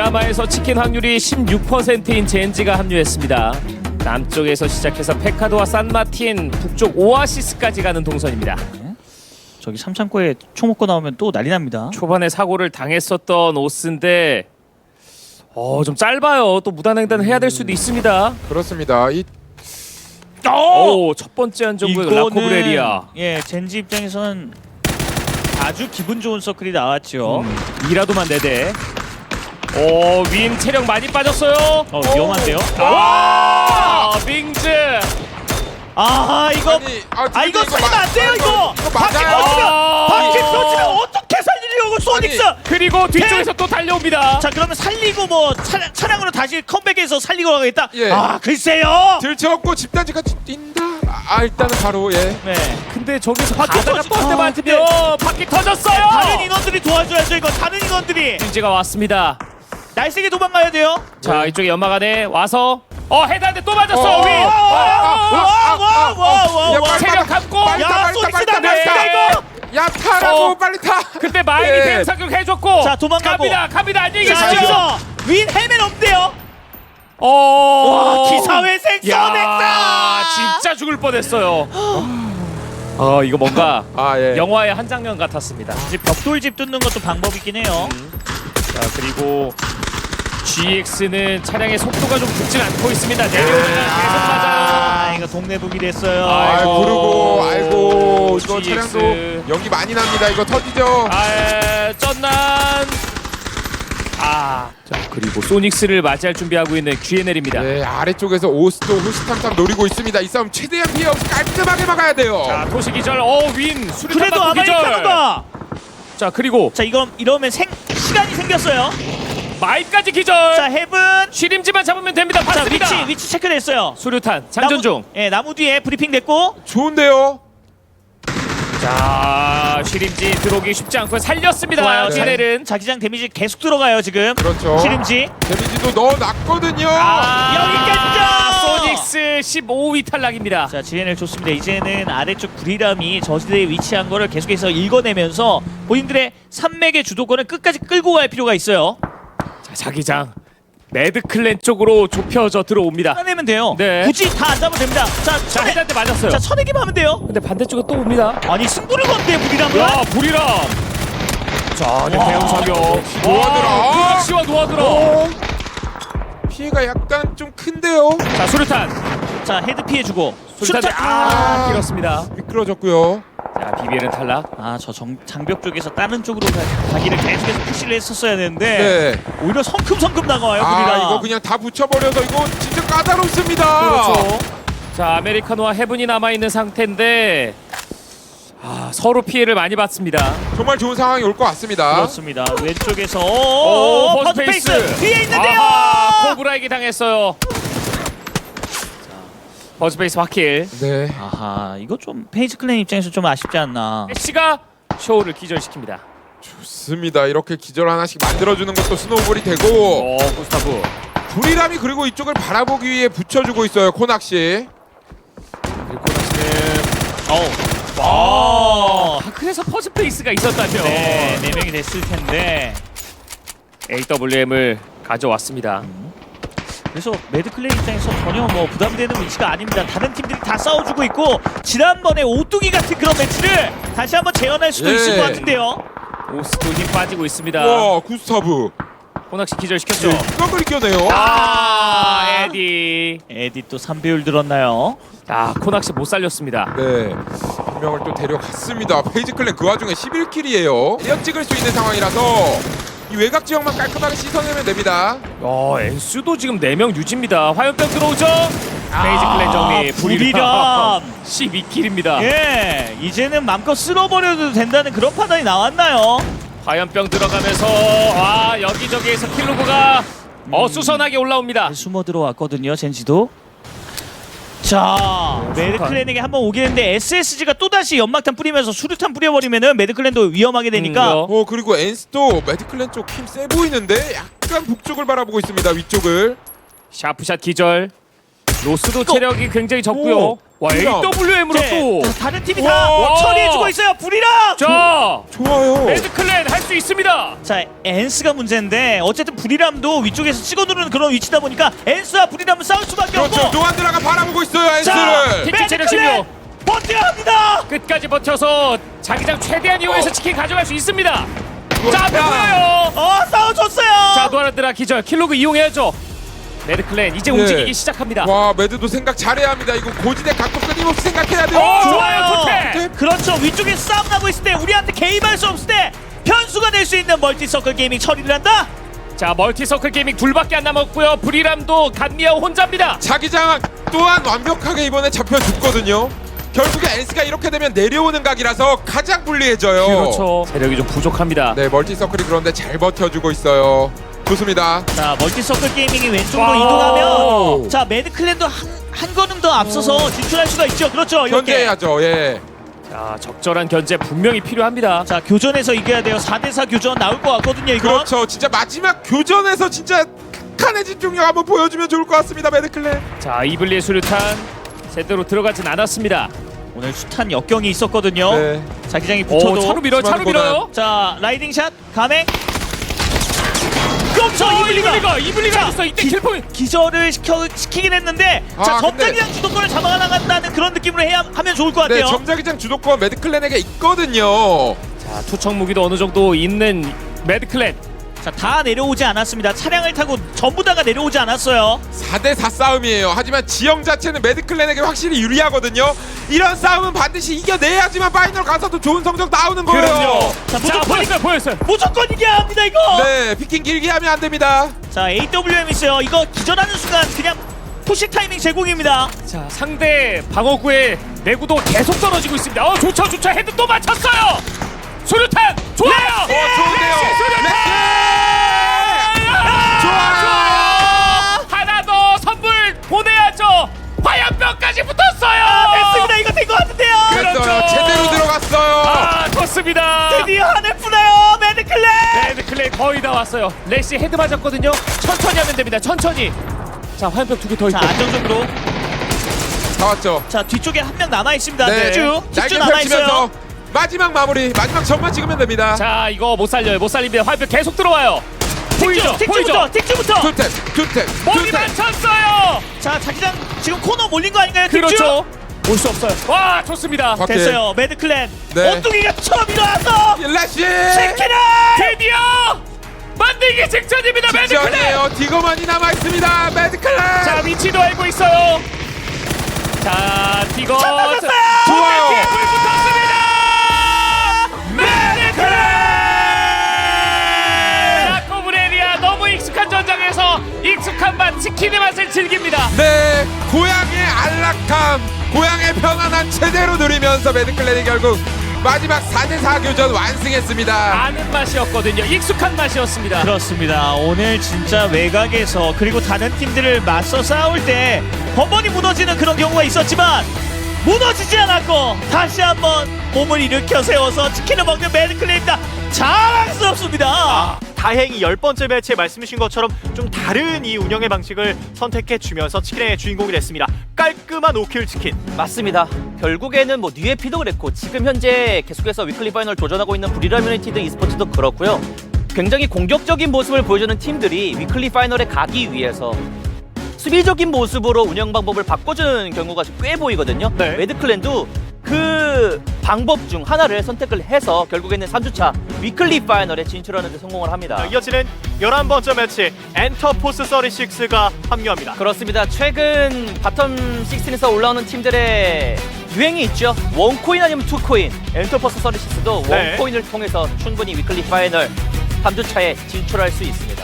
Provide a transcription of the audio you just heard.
미야마에서 치킨 확률이 16%인 젠지가 합류했습니다. 남쪽에서 시작해서 페카도와 산마틴, 북쪽 오아시스까지 가는 동선입니다. 저기 삼창고에 총 먹고 나오면 또 난리 납니다. 초반에 사고를 당했었던 오스인데 좀 짧아요. 또 무단횡단을 해야 될 수도 있습니다. 그렇습니다. 첫 번째 안정구역 라코브레리아. 예, 젠지 입장에서는 아주 기분 좋은 서클이 나왔죠. 이라도만 4대. 윈 체력 많이 빠졌어요. 위험한데요. 빙즈. 이거 이거 살리면 안 돼요 이거. 바퀴 터지면 어떻게 살리려고 소닉스. 그리고 뒤쪽에서 또 달려옵니다. 자 그러면 살리고 뭐 차량으로 다시 컴백해서 살리고 가겠다. 예. 글쎄요. 들쳐갖고 집단지까지 뛴다. 일단은 바로 예. 네. 근데 저기서 바퀴 가다가 터지- 버스 맞으면 바퀴 터졌어요. 다른 인원들이 도와줘야죠 이거. 다른 인원들이 빙즈가 왔습니다. 날쌔게 도망가야 돼요. 자 이쪽에 연막 안에 와서 헤드한테 또 맞았어. 윈. 와. 체력 감고. 야, 소닉스다, 네. 야 타라고 빨리 타. 그때 마인이 예. 대응 사격 해줬고. 자, 도망가고. 갑니다. 안녕히 자 계십시오. 여기서 윈 헬멧 없대요. 와 기사회생 소닉스. 진짜 죽을 뻔했어요. 이거 뭔가 예. 영화의 한 장면 같았습니다. 이제 벽돌집 뚫는 것도 방법이긴 해요. 자 그리고 GX는 차량의 속도가 좀 붙진 않고 있습니다. 내려오는 건 계속 맞아요. 이거 동네북이 됐어요. 아이고 이거 GX. 차량도 연기 많이 납니다. 이거 터지죠. 쩐난. 자 그리고 소닉스를 맞이할 준비하고 있는 GNL입니다. 네 아래쪽에서 오스도 호시탐탐 노리고 있습니다. 이 싸움 최대한 피해 없이 깔끔하게 막아야 돼요. 자 토시 기절. 윈 수류탄 그래도 맞고 기절. 아메리카노가. 자 그리고 자 이러면 시간이 생겼어요. 마이까지 기절. 자 헤븐. 쉬림지만 잡으면 됩니다. 자 봤습니다. 위치 체크됐어요. 수류탄 장전 중. 나무 뒤에 브리핑 됐고. 좋은데요. 자 쉬림지 들어오기 쉽지 않고 살렸습니다. 좋아요. GNL은 자기장 데미지 계속 들어가요 지금. 그렇죠. 시림지. 데미지도 넣어놨거든요. 여기까지죠. 소닉스 15위 탈락입니다. 자 GNL 좋습니다. 이제는 아래쪽 브리람이 저지대에 위치한 거를 계속해서 읽어내면서 본인들의 산맥의 주도권을 끝까지 끌고 갈 필요가 있어요. 자 자기장 매드클랜 쪽으로 좁혀져 들어옵니다. 쳐내면 돼요. 네. 굳이 다 안 잡으면 됩니다. 자 헤드한테 맞았어요. 자 쳐내기만 하면 돼요. 근데 반대쪽에 또 옵니다. 아니 승부를 건데 브리람은. 야 불이람. 자 대형 사격. 노아드라. 씨와 노아드라. 피해가 약간 좀 큰데요. 자 수류탄. 자 헤드 피해주고. 수류탄 길었습니다. 미끄러졌고요. 자 BBL은 탈락. 저 장벽 쪽에서 다른 쪽으로 가기를 계속해서 푸시를 했었어야 되는데 네. 오히려 성큼성큼 나가요 브리람. 이거 그냥 다 붙여버려서 이거 진짜 까다롭습니다. 그렇죠. 자 아메리카노와 헤븐이 남아있는 상태인데 서로 피해를 많이 받습니다. 정말 좋은 상황이 올 것 같습니다. 그렇습니다. 왼쪽에서 버즈페이스 뒤에 있는데요. 코브라에게 당했어요. 버즈페이스 확킬. 네. 이거 좀 페이지 클랜 입장에서 좀 아쉽지 않나. 애쉬가 쇼를 기절시킵니다. 좋습니다. 이렇게 기절 하나씩 만들어주는 것도 스노우볼이 되고 구스타브. 불이람이 그리고 이쪽을 바라보기 위해 붙여주고 있어요. 코낙시. 그리고 코낙시는 그래서 버즈페이스가 있었다면 네 명이 됐을 텐데. AWM을 가져왔습니다. 그래서 매드클랜 입장에서 전혀 뭐 부담되는 위치가 아닙니다. 다른 팀들이 다 싸워주고 있고 지난번에 오뚜기 같은 그런 매치를 다시 한번 재현할 수도 네. 있을 것 같은데요. 오스도 힘 빠지고 있습니다. 와 구스타브. 코낙시 기절시켰죠. 이걸 이겨내요. 에디 또 3배율 들었나요? 코낙시 못 살렸습니다. 네. 한 명을 또 데려갔습니다. 페이지 클랜 그 와중에 11킬이에요. 대역 찍을 수 있는 상황이라서 이 외곽 지역만 깔끔하게 씻어내면 됩니다. 엔수도 지금 4명 유지입니다. 화염병 들어오죠. 페이지 클랜 정리. 불이람 12킬입니다. 예, 이제는 마음껏 쓸어버려도 된다는 그런 판단이 나왔나요? 화염병 들어가면서 여기저기에서 킬로그가 어수선하게 올라옵니다. 숨어 들어왔거든요, 젠지도. 자, 매드클랜에게 한번 오긴 했는데 SSG가 또다시 연막탄 뿌리면서 수류탄 뿌려버리면은 매드클랜도 위험하게 되니까 그리고 엔스도 매드클랜 쪽 힘 세 보이는데 약간 북쪽을 바라보고 있습니다. 위쪽을. 샤프샷 기절. 로스도 체력이 굉장히 적고요. 불이람. AWM으로 또. 다른 팀이 다 처리해주고 있어요. 불이람! 자, 좋아요. 매드클랜 할 수 있습니다. 자, 엔스가 문제인데 어쨌든 브리람도 위쪽에서 찍어 누르는 그런 위치다 보니까 엔스와 브리람은 싸울 수밖에 그렇죠. 없고. 노안드라가 바라보고 있어요. 자, 엔스를. 픽 체력 매드클랜 16. 버텨야 합니다. 끝까지 버텨서 자기장 최대한 이용해서 치킨 가져갈 수 있습니다. 자, 앞에 보여요. 싸워줬어요. 자, 노아란드라 기절. 킬로그 이용해야죠. 매드클랜 이제 예. 움직이기 시작합니다. 와, 매드도 생각 잘해야 합니다. 이거 고지대 각도 끊임없이 생각해야 돼요. 좋아요, 좋대. 그렇죠. 위쪽에 싸움 나고 있을 때 우리한테 개입할 수 없을 때 변수가 될 수 있는 멀티서클 게이밍 처리를 한다. 자, 멀티서클 게이밍 둘밖에 안 남았고요. 브리람도 간미아오 혼자입니다. 자기장 또한 완벽하게 이번에 잡혀줬거든요. 결국에 엔스가 이렇게 되면 내려오는 각이라서 가장 불리해져요. 그렇죠. 세력이 좀 부족합니다. 네, 멀티서클이 그런데 잘 버텨주고 있어요. 좋습니다. 자, 멀티서클 게이밍이 왼쪽으로 와우. 이동하면 자, 매드클랜도 한 걸음 더 앞서서 진출할 수가 있죠. 그렇죠. 이렇게. 견제해야죠. 예. 자, 적절한 견제 분명히 필요합니다. 자, 교전에서 이겨야 돼요. 4대4 교전 나올 것 같거든요, 이거. 그렇죠. 진짜 마지막 교전에서 진짜 극한의 집중력 한번 보여주면 좋을 것 같습니다. 매드클랜. 자, 이블리의 수류탄 제대로 들어가진 않았습니다. 오늘 숱한 역경이 있었거든요. 네. 자기장이 오, 붙어도. 차로 밀어요. 차로 수많은 밀어요. 자, 라이딩샷 감행. 그렇죠. 이블리가 있어. 이때 킬포인트. 기절을 시키긴 했는데 자, 아, 근데- 점장이랑 주도권을 잡아나간다는 그런 느낌으로 하면 좋을 것 네, 같아요. 점자기장 주도권 매드클랜에게 있거든요. 자, 투척 무기도 어느 정도 있는 매드클랜. 자, 다 내려오지 않았습니다. 차량을 타고 전부 다가 내려오지 않았어요. 4대4 싸움이에요. 하지만 지형 자체는 매드클랜에게 확실히 유리하거든요. 이런 싸움은 반드시 이겨내야지만 파이널 가서도 좋은 성적 나오는 거예요. 그럼요. 자, 자, 보였어요. 무조건 이겨야 합니다, 이거. 네, 피킹 길게 하면 안 됩니다. 자, AWM 있어요. 이거 기절하는 순간 그냥 푸시 타이밍 제공입니다. 자, 상대 방어구의 내구도 계속 떨어지고 있습니다. 좋죠. 헤드 또 맞췄어요. 수류탄 좋아요. 좋은데요. 좋아요. 하나 더 선물 보내야죠. 화염병까지 붙었어요. 됐습니다. 이거 된 것 같은데요. 그랬어요. 그렇죠. 제대로 들어갔어요. 좋습니다. 드디어 하늘 푸나요, 매드클랜. 매드클랜 거의 다 왔어요. 래시 헤드 맞았거든요. 천천히 하면 됩니다. 천천히. 자, 화염병 2개 더 자, 있고. 안정적으로. 다 왔죠. 자, 뒤쪽에 한 명 남아 있습니다. 네, 쭉 날개 남아 있어요. 펼치면서 마지막 마무리, 마지막 점만 찍으면 됩니다. 자, 이거 못 살려요. 못 살립니다. 화염병 계속 들어와요. 보이죠? 틱주부터. 투탭. 머리 맞췄어요. 자, 자기장 지금 코너 몰린 거 아닌가요? 틱주? 그렇죠. 올 수 없어요. 와, 좋습니다. 확- 됐어요. 매드클랜. 네. 오뚜기가 처음 일어나서 라시. 치킨을. 드디어 만들기 직전입니다. 매드클랜. 직전이에요. 디거만이 남아 있습니다. 매드클랜. 자, 위치도 알고 있어요. 자, 디거. 찾아줬어요. 좋아요. 불 붙었습니다. 매드클랜. 라코브레리아 너무 익숙한 전장에서 익숙한 맛 치킨의 맛을 즐깁니다. 네, 고향의 안락함, 고향의 편안함 제대로 누리면서 매드클랜이 결국 마지막 4대4 교전 완승했습니다. 아는 맛이었거든요. 익숙한 맛이었습니다. 그렇습니다. 오늘 진짜 외곽에서 그리고 다른 팀들을 맞서 싸울 때 번번이 무너지는 그런 경우가 있었지만 무너지지 않았고 다시 한번 몸을 일으켜 세워서 치킨을 먹는 매드클랜입니다. 자랑스럽습니다. 다행히 10번째 매치에 말씀하신 것처럼 좀 다른 이 운영의 방식을 선택해 주면서 치킨의 주인공이 됐습니다. 깔끔한 5킬 치킨. 맞습니다. 결국에는 뭐 뉴에피도 그랬고 지금 현재 계속해서 위클리 파이널 도전하고 있는 브리람 유나이티드 e스포츠도 그렇고요. 굉장히 공격적인 모습을 보여주는 팀들이 위클리 파이널에 가기 위해서 수비적인 모습으로 운영 방법을 바꿔주는 경우가 꽤 보이거든요. 네. 매드클랜도 그 방법 중 하나를 선택을 해서 결국에는 3주차 위클리 파이널에 진출하는 데 성공을 합니다. 이어지는 11번째 매치 엔터포스 36가 합류합니다. 그렇습니다. 최근 바텀 16에서 올라오는 팀들의 유행이 있죠. 원코인 아니면 투코인. 엔터포스 서리시스도 네. 원코인을 통해서 충분히 위클리 파이널 3주차에 진출할 수 있습니다.